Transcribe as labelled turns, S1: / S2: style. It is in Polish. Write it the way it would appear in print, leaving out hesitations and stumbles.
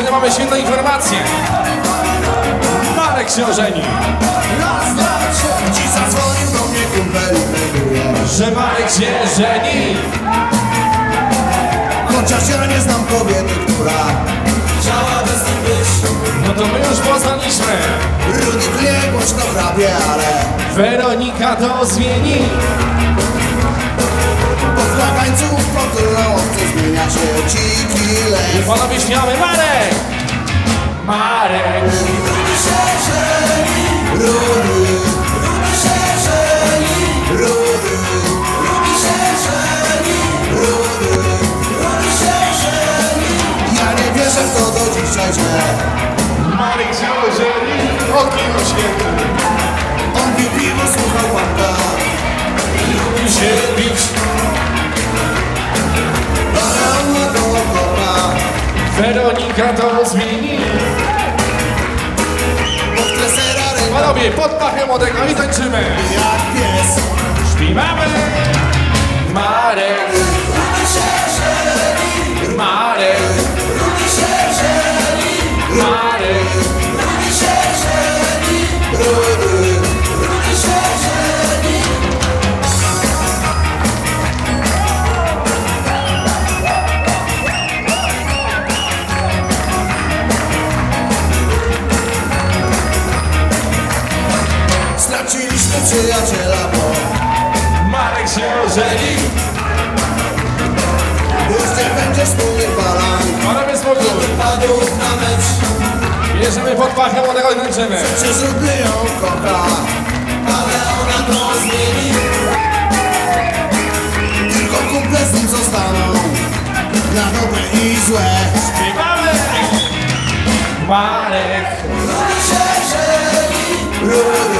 S1: ale mamy świetną informację. Marek się ożeni.
S2: Raz, dwa, trzy. Dziś zadzwonił do mnie kumpel i melduje,
S1: Że Marek się żeni.
S2: chociaż ja nie znam kobiety, która chciałaby z nim być.
S1: No to my już poznaliśmy.
S2: Rudy klej głośno chrapie, ale
S1: Weronika to zmieni.
S2: pod flagańców kontrolowcy zmienia się dziki
S1: I
S2: lew.
S1: panowie śmiały Marek. Marek.
S2: Rudy się żeni, Rudy, Rudy się żeni, Rudy, Rudy się żeni, Rudy, Rudy się żeni. Ja nie wierzę w to do dzisiaj, że
S1: Marek się ożeni. O kino świetny.
S2: on pił piwo, słuchał panka,
S1: Lubił się bić.
S2: ale on ma goła kopa.
S1: Weronika to zmieni.
S2: Pod kresera ręka
S1: Panowie, pod pachę młodego i tańczymy.
S2: jak pies.
S1: Śpiewamy. Marek.
S2: Rudy się żeni,
S1: Marek.
S2: Rudy się żeni,
S1: Marek.
S2: Rudy się żeni, Rudy, Rudy się żeni. Straciliśmy przyjaciela, bo
S1: Marek się ożeni.
S2: już nie będzie wspólnych balan.
S1: Panowie spokój.
S2: Wypadów na mecz,
S1: Bierzemy pod pachę młodego i tańczymy.
S2: przez Rudy ją kocha, ale ona to zmieni. Tylko kumple z nim zostaną, na dobre i złe.
S1: Śpiewamy. Marek.
S2: Rudy się żeni, Rudy,